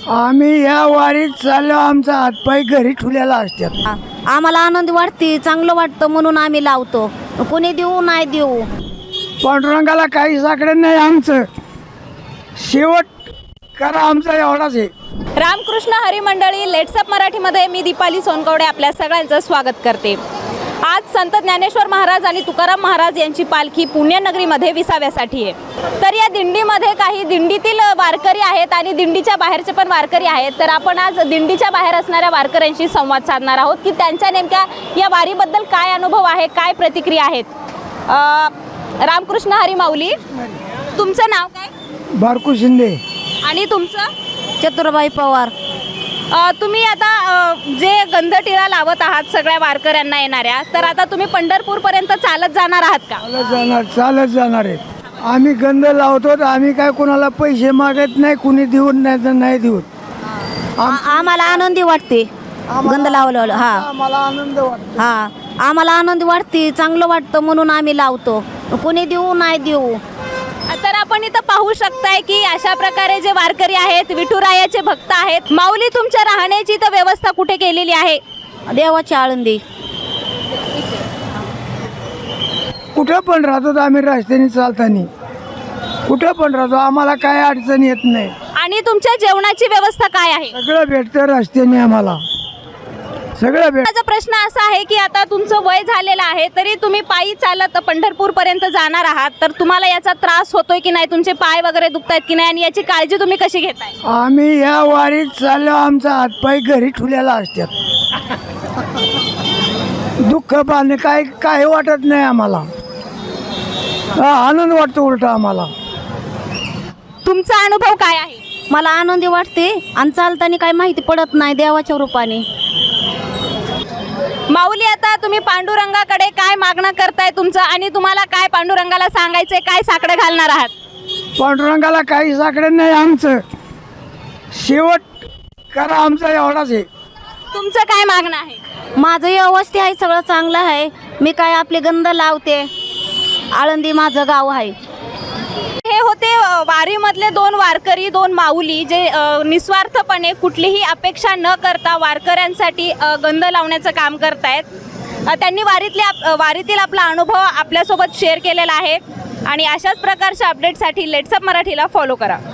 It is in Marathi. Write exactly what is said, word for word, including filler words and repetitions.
आम्ही या वारीत चाललो, आमचा हातपाय घरी ठेवलेला असतात. आम्हाला आनंद वाटते, चांगलं वाटतं म्हणून आम्ही लावतो. कोणी देऊ नाही देऊ, पांडुरंगाला काही साकडं नाही. आमचं शेवट करा आमचा एवढाच आहे. रामकृष्ण हरी मंडळी, लेट्सअप मराठीमध्ये मी दीपाली सोनकवडे आपल्या सगळ्यांचं स्वागत करते. आज संत ज्ञानेश्वर महाराज आणि तुकाराम महाराज यांची पालखी पुण्यनगरीमध्ये विसाव्यासाठी आहे. तर या दिंडीमध्ये काही दिंडीतील वारकरी आहेत आणि दिंडीच्या बाहेरचे पण वारकरी आहेत. तर आपण आज दिंडीच्या बाहेर असणाऱ्या वारकऱ्यांशी संवाद साधणार आहोत की त्यांच्या नेमक्या या वारीबद्दल काय अनुभव आहे, काय प्रतिक्रिया आहेत. रामकृष्ण हरी माऊली, तुमचं नाव काय? बारकू शिंदे. आणि तुमचं? चतुरबाई पवार. तुम्ही आता जे गंधटिळा लावत आहात सगळ्या वारकऱ्यांना येणाऱ्या, तर आता तुम्ही पंढरपूरपर्यंत चालत जाणार आहात का? चालत जाणार चालत जाणार आहे. आम्ही गंध लावतो, आम्ही काय कोणाला पैसे मागत नाही, कुणी देऊन नाही तर नाही देऊन. आम्हाला आनंदी वाटते गंध लावलं. हा, आम्हाला आनंद वाटतो. हा, आम्हाला आनंद वाटते, चांगलं वाटतं म्हणून आम्ही लावतो. कोणी देऊ नाही देऊ. तर आपण इथं पाहू शकताय की अशा प्रकारे जे वारकरी आहेत, विठुरायाचे भक्त आहेत. माऊली, तुमच्या राहण्याची तर व्यवस्था कुठे केलेली आहे? देवाची आळंदी. कुठं पण राहतो आम्ही रस्त्याने चालताना, कुठं पण राहतो, आम्हाला काय अडचण येत नाही. आणि तुमच्या जेवणाची व्यवस्था काय आहे? सगळं भेटतं रस्त्याने, आम्हाला सगळं भेट. माझा प्रश्न असा आहे की आता तुमचं वय झालेलं आहे, तरी तुम्ही पायी चालत पंढरपूर पर्यंत जाणार आहात, तर तुम्हाला याचा त्रास होतोय की नाही? तुमचे पाय वगैरे दुखतायत की नाही? आणि याची काळजी तुम्ही कशी घेताय? आम्ही या वारीत चाललो, आमचा हातपाय घरी ठेवलेला असतात. दुःख पाहणे काय काही वाटत नाही आम्हाला. हा, आनंद वाटतो उलटा आम्हाला. तुमचा अनुभव काय आहे? मला आनंदी वाटते आणि चालताना काही माहिती पडत नाही देवाच्या रूपाने. माऊली, आता तुम्ही पांडुरंगाकडे काय मागणं करताय तुमचं, आणि तुम्हाला काय पांडुरंगाला सांगायचंय, काय साकडं घालणार आहात? पांडुरंगाला काही साकडं नाही. आमचं शेवट करा आमचा एवढाच आहे. तुमचं काय मागणं आहे? माझं व्यवस्थित आहे, सगळं चांगलं आहे. मी काय आपले गंध लावते. आळंदी माझं गाव आहे. हे होते वारीमधले दोन वारकरी, दोन माऊली, जे निस्वार्थपणे कुठलीही अपेक्षा न करता वारकऱ्यांसाठी गंध लावण्याचं काम करतायत. त्यांनी वारीतले वारीतील आपला अनुभव आपल्यासोबत शेअर केलेला आहे. आणि अशाच प्रकारच्या अपडेटसाठी लेट्सअप मराठीला फॉलो करा.